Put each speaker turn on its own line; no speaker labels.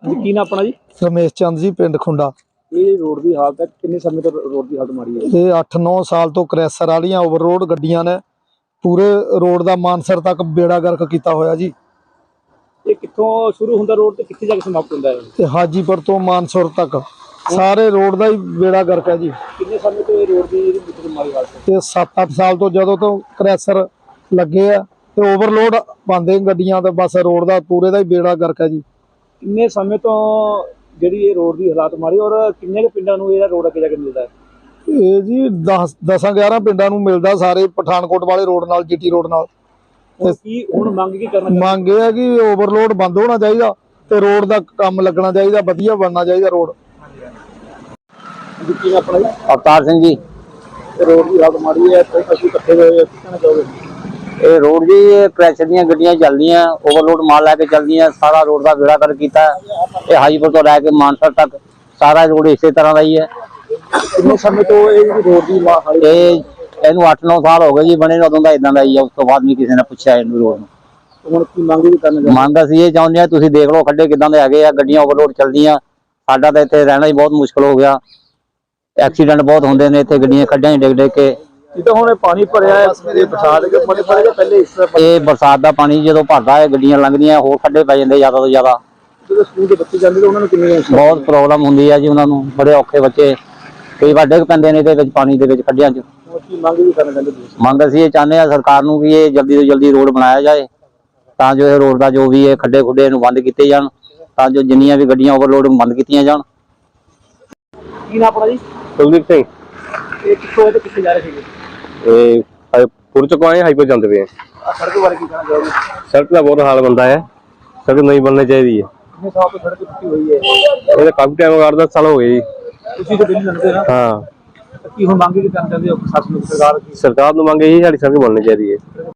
ਜੀ ਕੀ ਨਾ ਆਪਣਾ ਜੀ?
रमेश चंद जी पिंड खुंडा।
ਇਹ ਰੋਡ ਦੀ ਹਾਲਤ ਹੈ, ਕਿੰਨੇ ਸਮੇਂ ਤੋਂ ਰੋਡ ਦੀ ਹਾਲਤ ਮਾੜੀ ਹੈ?
ये 8-9 साल तो क्रैसर वालियां ओवरलोड गड्डियां ने पूरे रोड का मानसर तक बेड़ा गर्क किया होया जी।
ਇਹ ਕਿੱਥੋਂ ਸ਼ੁਰੂ ਹੁੰਦਾ ਰੋਡ ਤੇ ਕਿੱਥੇ ਜਾ ਕੇ ਸਮਾਪਤ ਹੁੰਦਾ ਹੈ?
ते हाजीपुर तो मानसुर तक सारे रोड का ही बेड़ा गर्क है जी।
ਕਿੰਨੇ ਸਮੇਂ ਤੋਂ ਇਹ ਰੋਡ ਦੀ ਮਾੜੀ ਹਾਲਤ ਹੈ?
ते 7-8 साल तो जदों तो क्रैसर लगे है ते ओवरलोड पांदे गड्डियां ते बस रोड का पूरे का ही बेड़ा गर्क है जी।
ਕਿੰਨੇ ਸਮੇਂ ਤੋਂ ਜਿਹੜੀ ਇਹ ਰੋਡ ਦੀ ਹਾਲਾਤ ਮਾੜੀ ਔਰ ਕਿੰਨੇ ਕੁ ਪਿੰਡਾਂ ਨੂੰ ਇਹਦਾ ਰੋਡ ਅੱਗੇ ਜਾ ਕੇ ਮਿਲਦਾ ਹੈ?
ਇਹ ਜੀ 10-11 ਪਿੰਡਾਂ ਨੂੰ ਮਿਲਦਾ, ਸਾਰੇ ਪਠਾਨਕੋਟ ਵਾਲੇ ਰੋਡ ਨਾਲ, ਜੀਟੀ ਰੋਡ ਨਾਲ।
ਹੁਣ ਮੰਗ ਕੀ ਕਰਨਾ?
ਮੰਗ ਇਹ ਹੈ ਕਿ ਓਵਰਲੋਡ ਬੰਦ ਹੋਣਾ ਚਾਹੀਦਾ ਤੇ ਰੋਡ ਦਾ ਕੰਮ ਲੱਗਣਾ ਚਾਹੀਦਾ, ਵਧੀਆ ਬਣਨਾ ਚਾਹੀਦਾ ਰੋਡ।
ਕੀ ਨਾ ਆਪਣਾ ਜੀ?
अवतार सिंह जी।
ਰੋਡ ਦੀ ਹਾਲਤ ਮਾੜੀ ਹੈ, ਕਈ ਪਸ਼ੂ ਇਕੱਠੇ ਹੋਏ ਆ, ਕੀ ਕਹਿਣਾ ਚਾਹੋਗੇ?
ਇਹ ਰੋਡ ਜੀ क्रैशर ਦੀਆਂ ਗੱਡੀਆਂ ਚੱਲਦੀਆਂ, ओवरलोड माल ਲੈ ਕੇ ਚੱਲਦੀਆਂ, ਸਾਰਾ ਰੋਡ ਦਾ ਬੇੜਾ ਕਰ ਕੀਤਾ। ਇਹ ਹਾਜੀਪੁਰ ਤੋਂ ਲੈ ਕੇ ਮਾਨਸਰ ਤੱਕ ਸਾਰਾ ਰੋਡ ਇਸੇ ਤਰ੍ਹਾਂ ਦਾ ਹੀ ਹੈ।
ਕਿੰਨੇ ਸਮੇਂ ਤੋਂ ਇਹ ਰੋਡ ਦੀ ਹਾਲਤ?
ਇਹਨੂੰ 8-9 ਸਾਲ ਹੋ ਗਏ ਜੀ ਬਣੇ, ਉਦੋਂ ਦਾ ਇਦਾਂ ਦਾ ਹੀ ਹੈ। ਉਸ ਤੋਂ ਬਾਅਦ ਵੀ ਕਿਸੇ ਨੇ ਪੁੱਛਿਆ ਇਹਨੂੰ ਰੋਡ ਨੂੰ।
ਹੁਣ ਕੀ ਮੰਗ ਵੀ ਕਰਨਾ ਚਾਹੁੰਦੇ?
ਮੰਗ ਅਸੀਂ ਇਹ ਚਾਹੁੰਦੇ ਹਾਂ, ਤੁਸੀਂ ਦੇਖ ਲਓ ਖੱਡੇ ਕਿਦਾਂ ਦੇ ਹੈਗੇ ਆ, ਗੱਡੀਆਂ ਓਵਰਲੋਡ ਚੱਲਦੀਆਂ। ਸਾਡਾ ਤਾਂ ਇੱਥੇ ਰਹਿਣਾ ਹੀ ਬਹੁਤ ਮੁਸ਼ਕਲ ਹੋ ਗਿਆ, ਐਕਸੀਡੈਂਟ ਬਹੁਤ ਹੁੰਦੇ ਨੇ ਇੱਥੇ, ਗੱਡੀਆਂ ਖੱਡਾਂ 'ਚ ਡਿੱਗ ਡਿੱਗ ਕੇ।
ਜਿੱਦਾਂ ਹੁਣ ਪਾਣੀ ਭਰਿਆ ਹੈ, ਇਹ ਬਰਸਾਤ ਦੇ ਪਾਣੀ ਭਰਿਆ ਪਹਿਲੇ ਇਸ ਤਰ੍ਹਾਂ
ਇਹ ਬਰਸਾਤ ਦਾ ਪਾਣੀ ਜਦੋਂ ਭਰਦਾ ਹੈ, ਗੱਡੀਆਂ ਲੰਘਦੀਆਂ, ਹੋਰ ਖੱਡੇ ਪੈ ਜਾਂਦੇ ਜ਼ਿਆਦਾ ਤੋਂ ਜ਼ਿਆਦਾ।
ਜਦੋਂ ਸਕੂਲ ਦੇ ਬੱਚੇ ਜਾਂਦੇ ਤਾਂ ਉਹਨਾਂ ਨੂੰ ਕਿੰਨੀ
ਬਹੁਤ ਪ੍ਰੋਬਲਮ ਹੁੰਦੀ ਹੈ ਜੀ ਉਹਨਾਂ ਨੂੰ, ਬੜੇ ਔਖੇ ਬੱਚੇ ਕਈ ਵਾਰ ਡਿੱਗ ਪੈਂਦੇ ਨੇ ਇਹਦੇ ਵਿੱਚ, ਪਾਣੀ ਦੇ ਵਿੱਚ, ਖੱਡਿਆਂ 'ਚ।
ਕੀ ਮੰਗ ਵੀ ਕਰਨਾ ਚਾਹੁੰਦੇ ਤੁਸੀਂ?
ਮੰਗ ਅਸੀਂ ਇਹ ਚਾਹੁੰਦੇ ਹਾਂ ਸਰਕਾਰ ਨੂੰ ਕਿ ਇਹ ਜਲਦੀ ਤੋਂ ਜਲਦੀ ਰੋਡ ਬਣਾਇਆ ਜਾਏ, ਤਾਂ ਜੋ ਇਹ ਰੋਡ ਦਾ ਜੋ ਵੀ ਇਹ ਖੱਡੇ ਖੁੱਡੇ ਨੂੰ ਬੰਦ ਕੀਤੇ ਜਾਣ, ਤਾਂ ਜੋ ਜਿੰਨੀਆਂ ਵੀ ਗੱਡੀਆਂ ਓਵਰਲੋਡ ਬੰਦ ਕੀਤੀਆਂ ਜਾਣ।
ਕੀ ਨਾ ਆਪਣਾ ਜੀ?
ਕੁਲਦੀਪ ਸਿੰਘ।
ਇਹ ਕਿੱਥੋਂ ਤੇ ਕਿੱਥੇ ਜਾ ਰਹੇ ਸੀਗੇ?
ਇਹ ਪੁਰ ਚੋਂ ਆਏ ਹਾਈਪਰ ਜਾਂਦੇ ਪਏ ਆ।
ਸੜਕ ਬਾਰੇ ਕੀ ਕਹਿਣਾ ਚਾਹੋਗੇ?
ਸੜਕ ਦਾ ਬਹੁਤ ਹਾਲ ਬੰਦਾ ਹੈ, ਸੜਕ ਨਹੀਂ ਬਣਨੀ ਚਾਹੀਦੀ ਹੈ।
ਕਿੰਨੇ ਸਾਲ ਤੋਂ ਸੜਕ ਟੁੱਟੀ ਹੋਈ ਹੈ?
ਇਹਦਾ ਕਾਫੀ ਟਾਈਮ 8-10 ਸਾਲ ਹੋ ਗਏ ਜੀ।
ਤੁਸੀਂ ਤਾਂ ਦਿੱਲੀ ਲੰਘਦੇ ਨਾ,
ਹਾਂ,
ਕੀ ਹੁਣ ਮੰਗ ਕੀ ਕਰਨਾ ਚਾਹੁੰਦੇ ਹੋ ਪ੍ਰਸ਼ਾਸਨ ਨੂੰ, ਸਰਕਾਰ ਦੀ?
ਸਰਕਾਰ ਨੂੰ ਮੰਗ ਇਹੀ ਸਾਡੀ ਸੜਕ ਬਣਨੀ ਚਾਹੀਦੀ ਹੈ।